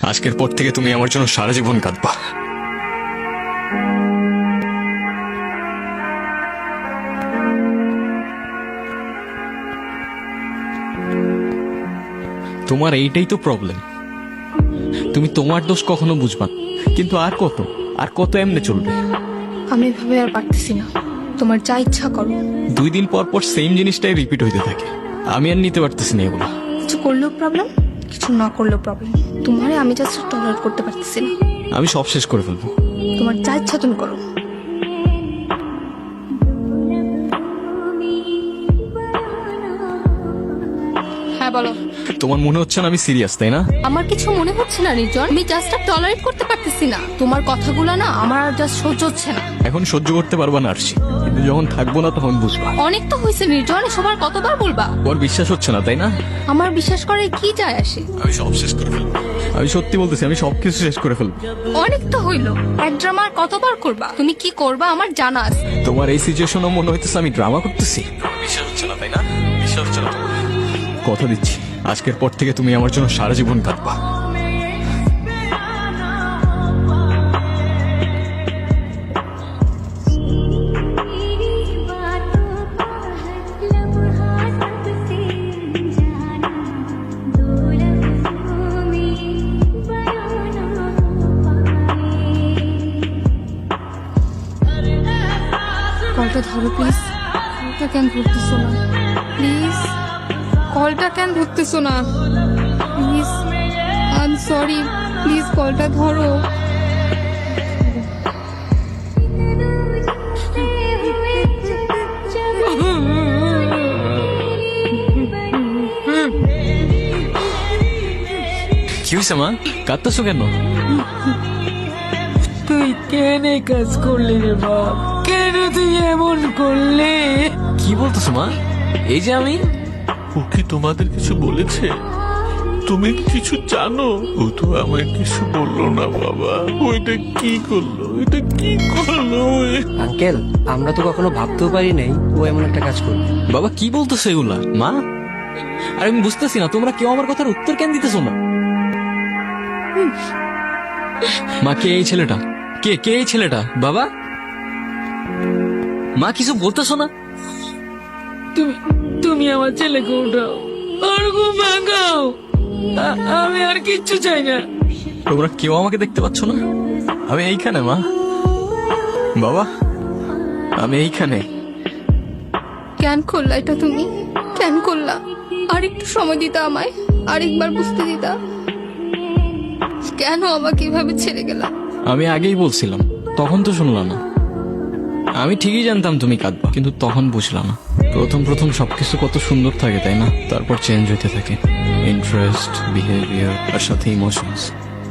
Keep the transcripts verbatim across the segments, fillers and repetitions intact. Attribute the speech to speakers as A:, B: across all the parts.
A: আজকের পর থেকে তুমি আমার জন্য সারা জীবন কাঁদবা। তোমার এইটাই তো প্রবলেম, তুমি তোমার দোষ কখনো বুঝবা না। কিন্তু আর কত আর কত এমনি চলবে?
B: আমি এভাবে আর পারতেছি না, তোমার যা ইচ্ছা করো।
A: দুই দিন পর পর সেম জিনিসটাই রিপিট হইতে থাকে, আমি আর নিতে পারতেছি না এগুলো।
B: কিছু করলেও প্রবলেম, কিছু না করলেও প্রবলেম। তোমারে আমি জাস্ট টলারেট করতে পারতেছি না।
A: আমি সব শেষ করে ফেলবো।
B: তোমার যা ইচ্ছা তুমি করো। হ্যাঁ বলো।
A: তোমার মনে হচ্ছে না আমি সিরিয়াস, তাই না?
B: আমার কিছু মনে হচ্ছে না নির্জন, আমি জাস্ট আর টলারেট করতে পারতেছি না। তোমার কথাগুলো না আমার আর জাস্ট সহ্য হচ্ছে না।
A: এখন সহ্য করতে পারবা না আরশি, কিন্তু যখন থাকবো না তখন বুঝবা।
B: অনেক তো হয়েছে নির্জন, এসব আর কতবার বলবা?
A: তোমার বিশ্বাস হচ্ছে না, তাই না?
B: আমার বিশ্বাস করে কি যায় আসে?
A: আমি সব শেষ করে ফেলবো। আমি সত্যি বলতেছি, আমি সবকিছু শেষ করে ফেলবো।
B: অনেক তো হইলো, এক ড্রামা আর কতবার করবা? তুমি কি করবা আমার জানা আছে।
A: তোমার এই সিচুয়েশনও মনে হইতেছে আমি ড্রামা করতেছি। বিশ্বাস হচ্ছে না, তাই না? বিশ্বাস হচ্ছে না। কথা দিচ্ছি, আজকের পর থেকে তুমি আমার জন্য সারা জীবন কাঁদবা।
B: কলটা ধরো প্লিজ। কলটা কেন ধরতেছো না প্লিজ? কলটা কেন ধরতেছো না please? I am sorry, please কলটা ধরো।
A: কি হয়েছে মা, কাঁদতেছো কেন?
C: তুই কেন এই কাজ করলি রে বাপ? কেন তুই এমন করলি?
A: কি বলতেছো মা? এই যে আমি,
D: ও কি তোমাদের কিছু বলেছে? তুমি কিছু জানো? ও তো আমায় কিছু বললো না বাবা। ওইটা কি করলো? এটা কি করলো?
E: আঙ্কেল, আমরা তো কখনো ভাবতেও পারি নাই ও এমন একটা কাজ করবে।
A: বাবা কি বলতেছো এগুলা মা? আর আমি বুঝতেছি না তোমরা কেউ আমার কথার উত্তর কেন দিতেছো না। মা, কে এই ছেলেটা? কে কে এই ছেলেটা? বাবা, মা কিছু বলতেছো না?
C: তুমি তুমি আমার ছেলেকে উঠাও, ওর ঘুম ভাঙাও। আ- আমি আর কিচ্ছু চাই না।
A: তোমরা কেউ আমাকে দেখতে পাচ্ছ না? আমি এইখানে মা, বাবা, আমি এইখানে।
B: কেন করলা এটা তুমি? কেন করলা? আর একটু সময় দিতা আমায়, আরেকবার বুঝতে দিতা। কেন আমাকে এভাবে ছেড়ে গেলা?
A: আমি আগেই বলছিলাম, তখন তো শুনলা না। আমি ঠিকই জানতাম তুমি কাঁদবা, কিন্তু তখন বুঝলাম না। প্রথম প্রথম সবকিছু কত সুন্দর থাকে, তাই না? তারপর চেঞ্জ হইতে থাকে ইন্টারেস্ট, বিহেভিয়ার আর সাথে ইমোশনস।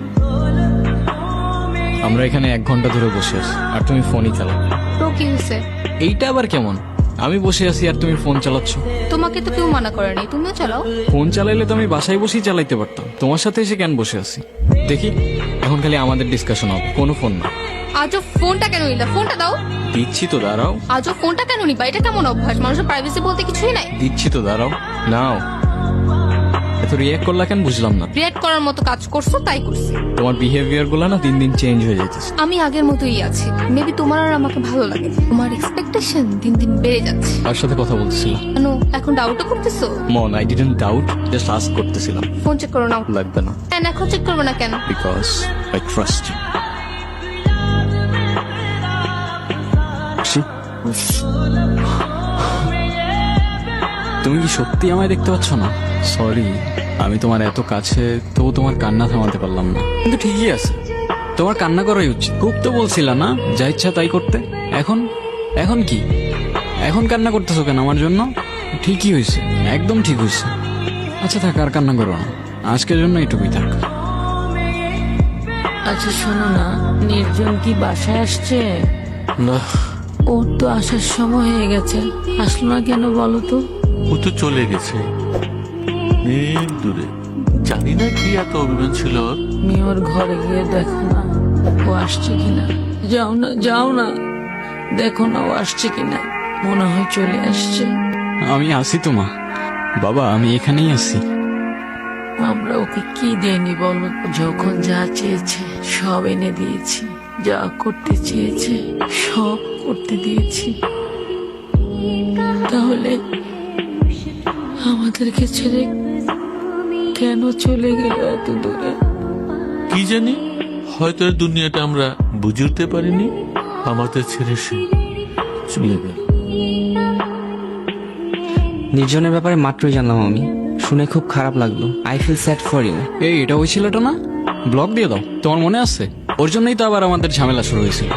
A: আমরা এখানে এক ঘন্টা ধরে বসে আছি আর তুমি ফোনই চালাও।
B: তো কি হয়েছে?
A: এইটা আবার কেমন? আমি বসে আছি আর তুমি ফোন চালাচ্ছ।
B: তোমাকে তো কেউ মানা করে নাই, তুমিও চালাও।
A: ফোন চালাইলে তো আমি বাসায় বসেই চালাইতে পারতাম, তোমার সাথে এসে কেন বসে আছি? দেখি, এখন খালি আমাদের ডিসকাশন হবে, কোনো ফোন না।
B: আজও ফোনটা কেন নিলা? ফোনটা দাও।
A: দিচ্ছি তো, দাঁড়াও।
B: আজও ফোনটা কেন নিবা? এটা কেমন অভ্যাস? মানুষের প্রাইভেসি বলতে কিছুই নাই।
A: দিচ্ছি তো, দাঁড়াও। নাও। এত রিয়াক্ট করলা কেন বুঝলাম না।
B: রিয়েক্ট করার মতো কাজ করছো তাই করছি।
A: তোমার বিহেভিয়ার গুলো না দিন দিন চেঞ্জ হয়ে যাইতেছে।
B: আমি আগের মতোই আছি, মেবি তোমার আর আমাকে ভালো লাগে। তোমার এক্সপেকটেশন দিন দিন বেড়ে যাচ্ছে।
A: তার সাথে কথা বলতেছিলাম।
B: কেন এখন ডাউটও করতেছো?
A: মন, I didn't doubt, just ask করতেছিলাম।
B: ফোন চেক করো না।
A: লাগবে না,
B: কেন এখন চেক করবে না কেন?
A: Because I trust you. তুমি কি সত্যি আমায় দেখতে পাচ্ছ না? সরি, আমি তোমার এত কাছে, তবু তোমার কান্না থামাতে পারলাম না। কিন্তু ঠিকই আছে, তোমার কান্না করাই উচিত। খুব তো বলছিলা না যা ইচ্ছা তাই করতে, এখন এখন কি? এখন কান্না করতেছো কেন আমার জন্য? ঠিকই হয়েছে, একদম ঠিক হয়েছে। আচ্ছা থাক, আর কান্না করো না, আজকের জন্য এটুকুই থাক।
C: আচ্ছা শোনো না, নির্জন কি বাসায় আসছে?
D: না,
C: ওর তো আসার সময় হয়ে গেছে, আসলো না কেন বলো তো?
D: ও তো চলে গেছে অনেক দূরে। জানি না কি এত অভিমান ছিল ওর।
C: তুমি ওর ঘরে গিয়ে দেখো না ও আসছে কিনা। যাও না, যাও না, দেখো না ও আসছে কিনা। মনে হয় চলে আসছে।
A: আমি আসি তো মা। বাবা, আমি এখানেই আছি।
C: আমার আমরা ওকে কি দেয়নি বলো? যখন যা চেয়েছে সব এনে দিয়েছি, যা করতে চেয়েছে সব করতে দিয়েছি। তাহলে আমাদেরকে ছেড়ে কেন চলে গেল এত দূরে?
D: কি জানি, হয়তো এই দুনিয়াটা আমরা বুঝে উঠতে পারিনি, আমাদের ছেড়ে সে চলে গেল।
E: নির্জনের ব্যাপারে মাত্রই জানলাম আমি, শুনে খুব খারাপ লাগলো। I feel sad for you.
A: এই এটা ওই ছেলেটা না? ব্লক দিয়ে দাও, তোমার মনে আছে? ওর জন্যই তো আবার আমাদের ঝামেলা শুরু হয়েছিল।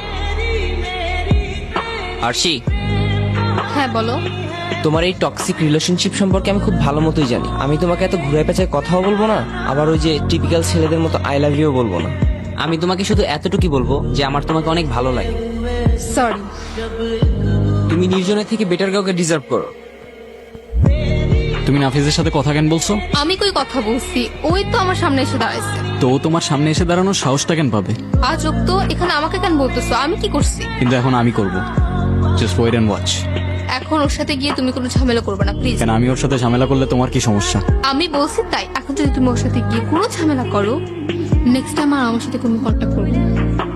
E: আরশি,
B: হ্যাঁ বলো।
E: তোমার এই টক্সিক রিলেশনশিপ সম্পর্কে আমি খুব ভালো মতোই জানি। আমি তোমাকে এত ঘুরে পেঁচায় কথাও বলবো না, আবার ওই যে টিপিক্যাল ছেলেদের মতো আই লাভ ইউ বলবো না। আমি তোমাকে শুধু এতটুকুই বলবো যে আমার তোমাকে অনেক ভালো লাগে।
B: সরি।
E: তুমি নির্জনের থেকে বেটার কাউকে ডিজার্ভ করো।
A: তুমি নাফিজের সাথে কথা কেন বলছো?
B: আমি কই কথা বলছি, ওই তো আমার সামনে এসে দাঁড়াইছে।
A: তো ও তোমার সামনে এসে দাঁড়ানোর সাহসটা কেন পাবে?
B: আজ তো এখানে আমাকে কেন বলতেছো? আমি কি করছি?
A: কিন্তু এখন আমি করব। Just wait and watch.
B: এখন ওর সাথে গিয়ে তুমি কোনো ঝামেলা করবে না প্লিজ।
A: কেন আমি ওর সাথে ঝামেলা করলে তোমার কি সমস্যা?
B: আমি বলছি তাই। এখন যদি তুমি ওর সাথে গিয়ে কোনো ঝামেলা করো, নেক্সট টাইম আর আমার সাথে কোনো কন্ট্যাক্ট করবে না।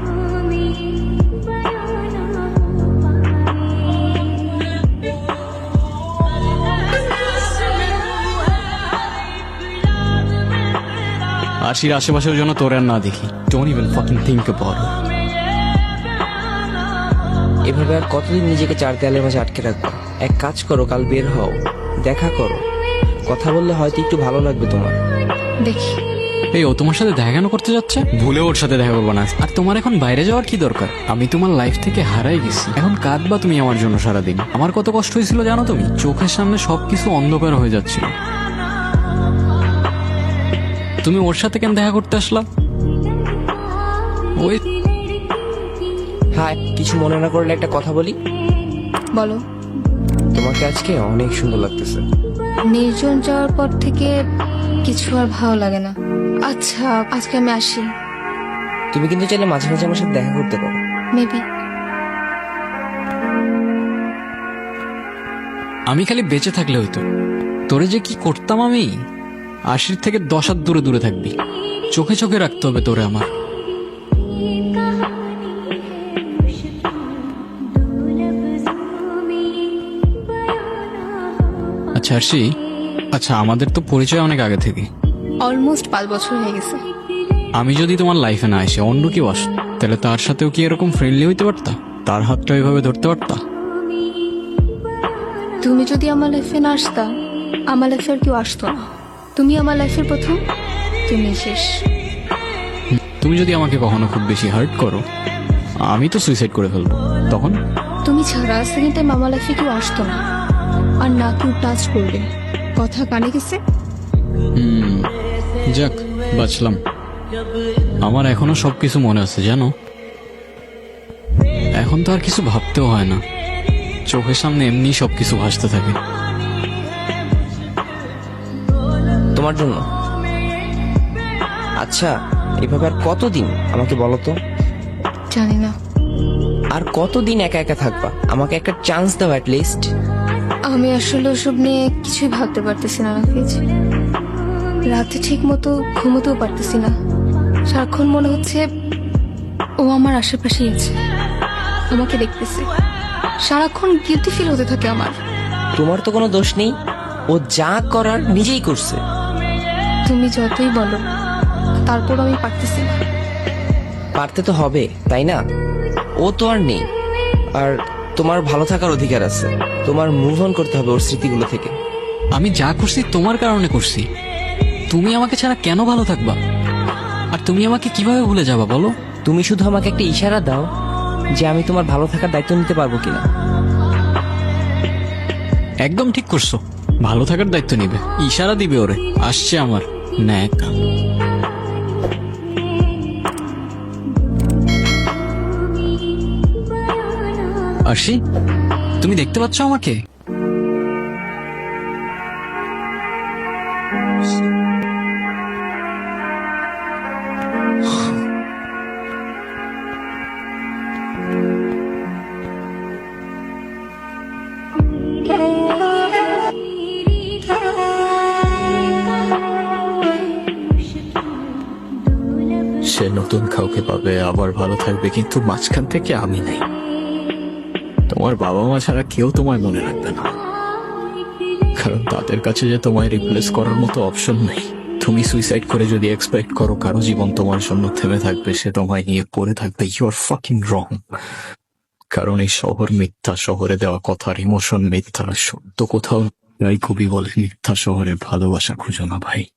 A: আশির আশেপাশের জন্য তোর আর না দেখি। Don't even fucking think about it.
E: এভাবে আর কতদিন নিজেকে চার দেয়ালের মাঝে আটকে রাখবো? এক কাজ করো, কাল বের হও, দেখা করো, কথা বললে হয়তো একটু ভালো লাগবে তোমার।
B: দেখি।
A: এই ও তোমার সাথে দেখা কেন করতে যাচ্ছে? ভুলে ওর সাথে দেখা করবো না। আর তোমার এখন বাইরে যাওয়ার কি দরকার? আমি তোমার লাইফ থেকে হারাই গেছি, এখন কাঁদবা তুমি আমার জন্য সারাদিন। আমার কত কষ্ট হয়েছিল জানো তুমি? চোখের সামনে সবকিছু অন্ধকার হয়ে যাচ্ছিল। তুমি ওর সাথে কেন দেখা করতে আসলা? ওই
E: হ্যাঁ, কিছু মনে না করলে একটা কথা বলি।
B: বলো।
E: তোমাকে আজকে অনেক সুন্দর লাগতেছে।
B: নির্জন যাওয়ার পর থেকে কিছু আর ভালো লাগে না। আচ্ছা আজকে আমি আসি।
E: তুমি কিন্তু চাইলে মাঝে মাঝে আমার সাথে দেখা করতে পারো।
B: মেবি।
A: আমি খালি বেঁচে থাকলে হইতো। তোরে যে কি করতাম আমি! আশির থেকে দশ হাত দূরে দূরে থাকবি। চোখে চোখে রাখতে হবে তোরে আমার। আচ্ছা আরশি, আচ্ছা আমাদের তো পরিচয় অনেক আগে থেকে।
B: অলমোস্ট পাঁচ বছর হয়ে গেছে।
A: আমি যদি তোমার লাইফে না এসে অন্য কেউ আসত, তাহলে তার সাথেও কি এরকম ফ্রেন্ডলি হইতে পারতা? তার হাতটা এভাবে ধরতে পারতা?
B: তুমি যদি আমার লাইফে না আসতা, আমার লাইফে আর কেউ আসতো না। তুমি আমার লাইফের প্রথম, তুমি শেষ।
A: তুমি যদি আমাকে কখনো খুব বেশি হার্ট করো, আমি তো সুইসাইড করে ফেলবো। তখন
B: তুমি ছাড়া সেকেন্ড টাইম আমার লাইফে কেউ আসতো না, আর না কেউ টাচ করবে। কথা কানে গেছে?
A: হুম, যাক বাঁচলাম। আমার এখনো সবকিছু মনে আছে জানো। এখন তো আর কিছু ভাবতেও হয় না, চোখের সামনে এমনি সবকিছু ভাসতে থাকে।
E: তোমার জন্য। আচ্ছা, এভাবে আর কতদিন আমাকে বলো তো?
B: জানি না।
E: আর কতদিন একা একা থাকবা? আমাকে একটা চান্স দাও অ্যাট লিস্ট।
B: আমি আসলে ওসব নিয়ে কিছুই ভাবতে পারতেছি না নাফিজ। রাতে ঠিক মতো ঘুমোতেও পারতেছি না। সারাক্ষণ মনে হচ্ছে ও আমার আশেপাশেই আছে, আমাকে দেখতেছে। সারাক্ষণ গিলটি ফিল হতে থাকে আমার।
E: তোমার তো কোনো দোষ নেই, ও যা করার নিজেই করছে।
B: তুমি যতই বলো, তারপর আমি পারতেছি না।
E: পারতে তো হবে, তাই না? ও তো আর নেই, আর তোমার ভালো থাকার অধিকার আছে। তোমার মুভ অন করতে হবে ওর স্মৃতিগুলো থেকে।
A: আমি যা করছি তোমার কারণে করছি। তুমি আমাকে ছাড়া কেন ভালো থাকবা? আর তুমি আমাকে কিভাবে ভুলে যাবা বলো?
E: তুমি শুধু আমাকে একটা ইশারা দাও যে আমি তোমার ভালো থাকার দায়িত্ব নিতে পারবো কিনা।
A: একদম ঠিক করছো, ভালো থাকার দায়িত্ব নিবে। ইশারা দিবে ওরে। আসছে আমার ন্যাক। আরশি, তুমি দেখতে পাচ্ছ আমাকে? সে নতুন কাউকে পাবে, আবার ভালো থাকবে, কিন্তু মাঝখান থেকে আমি নেই। তোমার বাবা মা ছাড়া কেউ তোমায় মনে রাখবে না, কারণ তাদের কাছে যে তোমায় রিপ্লেস করার মতো অপশন নেই। তুমি সুইসাইড করে যদি এক্সপেক্ট করো কারো জীবন তোমার জন্য থেমে থাকবে, সে তোমায় নিয়ে পড়ে থাকবে, ইউ আর ফাকিং রং। কারণ এই শহর মিথ্যা, শহরে দেওয়া কথার ইমোশন মিথ্যা, সত্য কোথাও। তাই কবি বলে, মিথ্যা শহরে ভালোবাসা খুঁজো না ভাই।